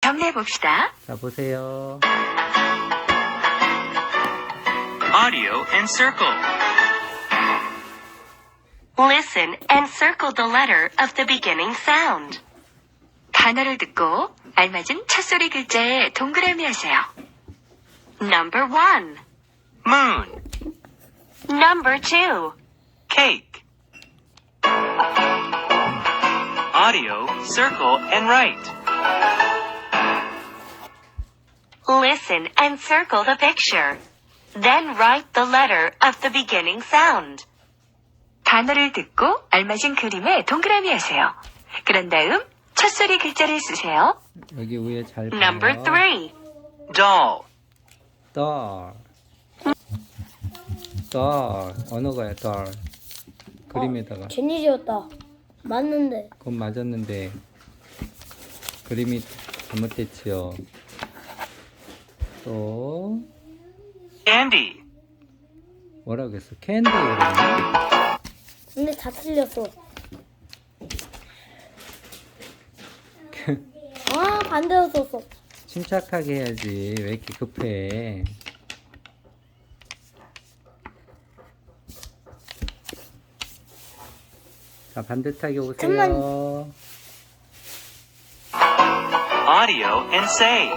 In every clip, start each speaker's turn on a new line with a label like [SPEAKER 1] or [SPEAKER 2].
[SPEAKER 1] 정리해봅시다.
[SPEAKER 2] 자, 보세요.
[SPEAKER 3] Audio and circle.
[SPEAKER 1] Listen and circle the letter of the beginning sound. 단어를 듣고 알맞은 첫소리 글자에 동그라미 하세요. Number 1.
[SPEAKER 3] Moon.
[SPEAKER 1] Number 2.
[SPEAKER 3] Cake. Audio, circle, and write.
[SPEAKER 1] Listen and circle the picture. Then write the letter of the beginning sound. 단어를 듣고 알맞은 그림에 동그라미 하세요. 그런 다음 첫소리 글자를 쓰세요.
[SPEAKER 2] 여기 위에 잘 봐요.
[SPEAKER 1] Number 3.
[SPEAKER 3] Doll.
[SPEAKER 2] doll. doll. 어느 거야, doll. 그림에다가.
[SPEAKER 4] 괜히 지었다. 맞는데.
[SPEAKER 2] 그건 맞았는데 그림이 잘못됐지요. 또
[SPEAKER 3] Candy.
[SPEAKER 2] 뭐라고 했어? 캔디 그러네.
[SPEAKER 4] 근데 다 틀렸어. 아, 반대로 썼어.
[SPEAKER 2] 침착하게 해야지. 왜 이렇게 급해? 자, 반듯하게 오세요.
[SPEAKER 4] 잠깐만.
[SPEAKER 3] Audio and say.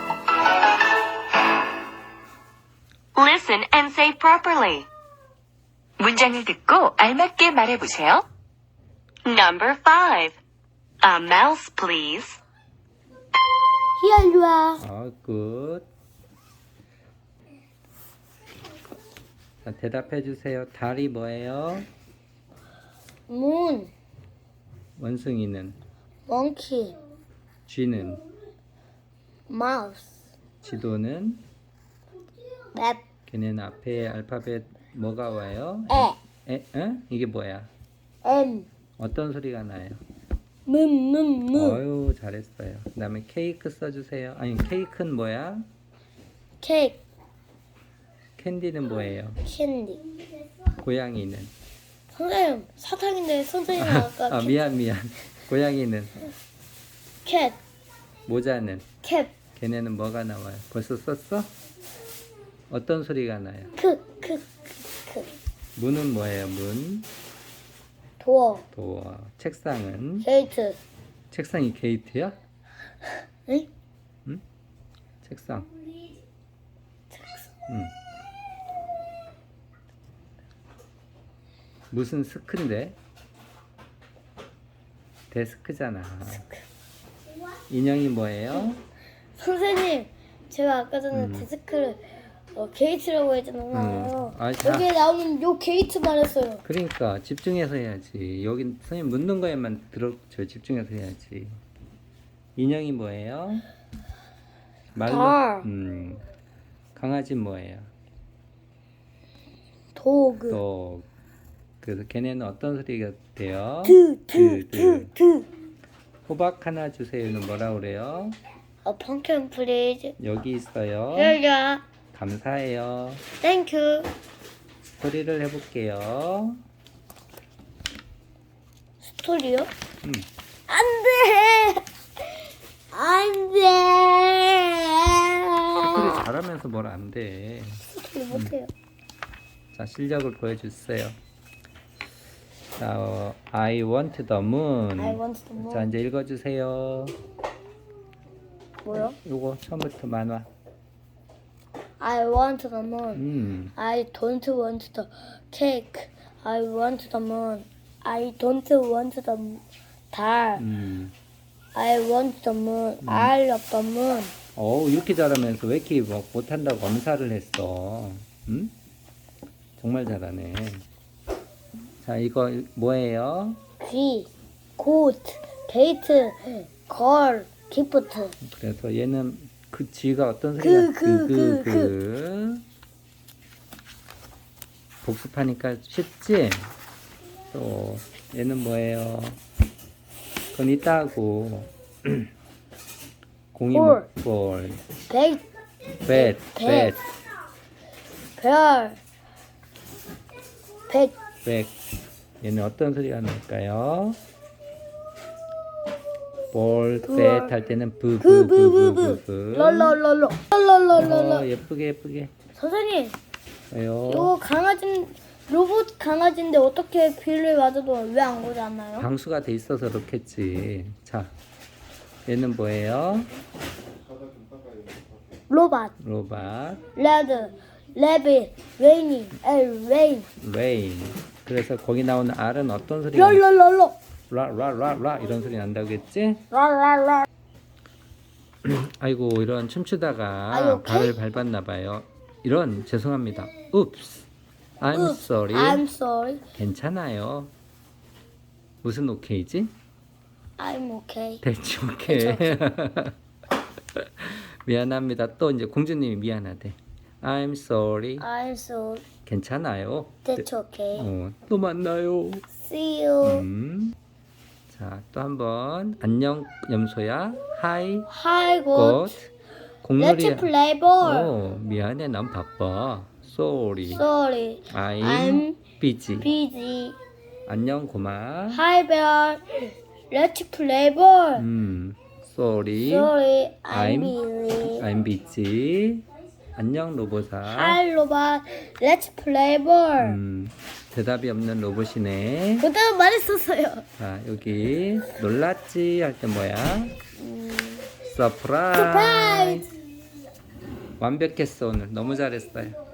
[SPEAKER 1] Listen and say properly. 문장을 듣고 알맞게 말해보세요. Number 5. A mouse, please.
[SPEAKER 4] 히야, 일로 와.
[SPEAKER 2] 굿. 자, 대답해 주세요. 달이 뭐예요?
[SPEAKER 4] 문,
[SPEAKER 2] 원숭이는?
[SPEAKER 4] 멍키,
[SPEAKER 2] 쥐는?
[SPEAKER 4] 마우스,
[SPEAKER 2] 지도는?
[SPEAKER 4] 맵,
[SPEAKER 2] 걔네는 앞에 알파벳 뭐가 와요?
[SPEAKER 4] 에,
[SPEAKER 2] 이게 뭐야?
[SPEAKER 4] 엠,
[SPEAKER 2] 어떤 소리가 나요?
[SPEAKER 4] 문.
[SPEAKER 2] 어유 잘했어요. 그 다음에 케이크 써주세요. 아니, 케이크는 뭐야?
[SPEAKER 4] 케이크,
[SPEAKER 2] 캔디는 뭐예요?
[SPEAKER 4] 캔디.
[SPEAKER 2] 고양이는?
[SPEAKER 4] 선생님, 사탕인데 선생님 아까
[SPEAKER 2] 아, 미안. 고양이는?
[SPEAKER 4] 캣,
[SPEAKER 2] 모자는?
[SPEAKER 4] 캡,
[SPEAKER 2] 걔네는 뭐가 나와요? 벌써 썼어? 어떤 소리가 나요?
[SPEAKER 4] 크.
[SPEAKER 2] 문은 뭐예요? 문?
[SPEAKER 4] 도어,
[SPEAKER 2] 도어. 책상은?
[SPEAKER 4] 게이트.
[SPEAKER 2] 책상이 게이트야?
[SPEAKER 4] 응?
[SPEAKER 2] 책상. 응. 무슨 스크인데? 데스크잖아. 인형이 뭐예요?
[SPEAKER 4] 선생님, 제가 아까 전에 데스크를 게이트라고 했잖아요.
[SPEAKER 2] 아, 자.
[SPEAKER 4] 여기에 나오는 요 게이트 말했어요.
[SPEAKER 2] 그러니까 집중해서 해야지. 여기 선생님 묻는 거에만 집중해서 해야지. 인형이 뭐예요?
[SPEAKER 4] 달.
[SPEAKER 2] 강아지 뭐예요?
[SPEAKER 4] 도그.
[SPEAKER 2] 또 그래서 걔네는 어떤 소리가 돼요?
[SPEAKER 4] 드.
[SPEAKER 2] 호박 하나 주세요는 뭐라 그래요?
[SPEAKER 4] 펑션 플리즈.
[SPEAKER 2] 여기 있어요.
[SPEAKER 4] 여기야.
[SPEAKER 2] 감사해요.
[SPEAKER 4] 땡큐.
[SPEAKER 2] 소리를 해볼게요.
[SPEAKER 4] 스토리요?
[SPEAKER 2] 음.
[SPEAKER 4] 안 돼! 안
[SPEAKER 2] 소리
[SPEAKER 4] 돼!
[SPEAKER 2] 잘하면서 뭘 안 돼.
[SPEAKER 4] 스토리 못해요.
[SPEAKER 2] 자, 실력을 보여주세요. 자, I want the moon.
[SPEAKER 4] I want the moon.
[SPEAKER 2] 자, 이제 읽어주세요.
[SPEAKER 4] 뭐요?
[SPEAKER 2] 요거 처음부터 만화.
[SPEAKER 4] I want the moon. I don't want the cake. I want the moon. I don't want the 달. I want the moon. I love the moon.
[SPEAKER 2] 이렇게 잘하면서 왜 이렇게 못한다고 검사를 했어? 응? 정말 잘하네. 자, 이거 뭐예요?
[SPEAKER 4] G, coat, gate, 걸, 기프트.
[SPEAKER 2] 그래서 얘는 그 G가 어떤 소리가 복습하니까 쉽지? 또 얘는 뭐예요? 그건 이따 하고 공이 볼
[SPEAKER 4] 백,
[SPEAKER 2] 뱃
[SPEAKER 4] 별, 백,
[SPEAKER 2] 얘는 어떤 소리가 날까요? 볼,
[SPEAKER 4] 볼.
[SPEAKER 2] 뱃 할 때는
[SPEAKER 4] 부부부부. 롤롤롤롤. 롤롤롤롤.
[SPEAKER 2] 예쁘게 예쁘게.
[SPEAKER 4] 선생님,
[SPEAKER 2] 왜요?
[SPEAKER 4] 이거 강아지 로봇 강아지인데 어떻게 비를 맞아도 왜 안 고장나요?
[SPEAKER 2] 방수가 돼 있어서 그렇겠지. 자, 얘는 뭐예요?
[SPEAKER 4] 로봇,
[SPEAKER 2] 로봇,
[SPEAKER 4] 레드, 레빗, 레이니, 레인,
[SPEAKER 2] 레인. 그래서 거기 나오는 R은 어떤 소리가?
[SPEAKER 4] 롤롤롤롤.
[SPEAKER 2] 라라라라 이런 소리 난다고 했지?
[SPEAKER 4] 랄랄랄.
[SPEAKER 2] 아이고 이런 춤추다가
[SPEAKER 4] Are you okay?
[SPEAKER 2] 발을 밟았나 봐요. 이런 죄송합니다. Oops. I'm sorry.
[SPEAKER 4] I'm sorry.
[SPEAKER 2] 괜찮아요. 무슨 오케이지?
[SPEAKER 4] I'm okay.
[SPEAKER 2] 대치 오케이. 미안합니다. 또 이제 공주님이 미안하대. I'm sorry.
[SPEAKER 4] I'm sorry.
[SPEAKER 2] 괜찮아요.
[SPEAKER 4] That's okay.
[SPEAKER 2] 또 만나요.
[SPEAKER 4] See you.
[SPEAKER 2] 자, 또 한번 안녕 염소야. Hi.
[SPEAKER 4] Hi,
[SPEAKER 2] 꽃.
[SPEAKER 4] good.
[SPEAKER 2] 공놀이.
[SPEAKER 4] Let's play ball.
[SPEAKER 2] 미안해. 난 바빠. Sorry.
[SPEAKER 4] Sorry.
[SPEAKER 2] I'm busy.
[SPEAKER 4] busy.
[SPEAKER 2] 안녕 고마.
[SPEAKER 4] Hi, bear. Let's play ball.
[SPEAKER 2] Sorry.
[SPEAKER 4] Sorry, I'm
[SPEAKER 2] I'm-
[SPEAKER 4] busy.
[SPEAKER 2] I'm busy. 안녕 로봇아.
[SPEAKER 4] Hi, robot. Let's play ball.
[SPEAKER 2] 대답이 없는 로봇이네.
[SPEAKER 4] 그때는 말했었어요.
[SPEAKER 2] 자, 여기 놀랐지 할 때 뭐야? 서프라이즈.
[SPEAKER 4] Surprise.
[SPEAKER 2] 완벽했어 오늘. 너무 잘했어요.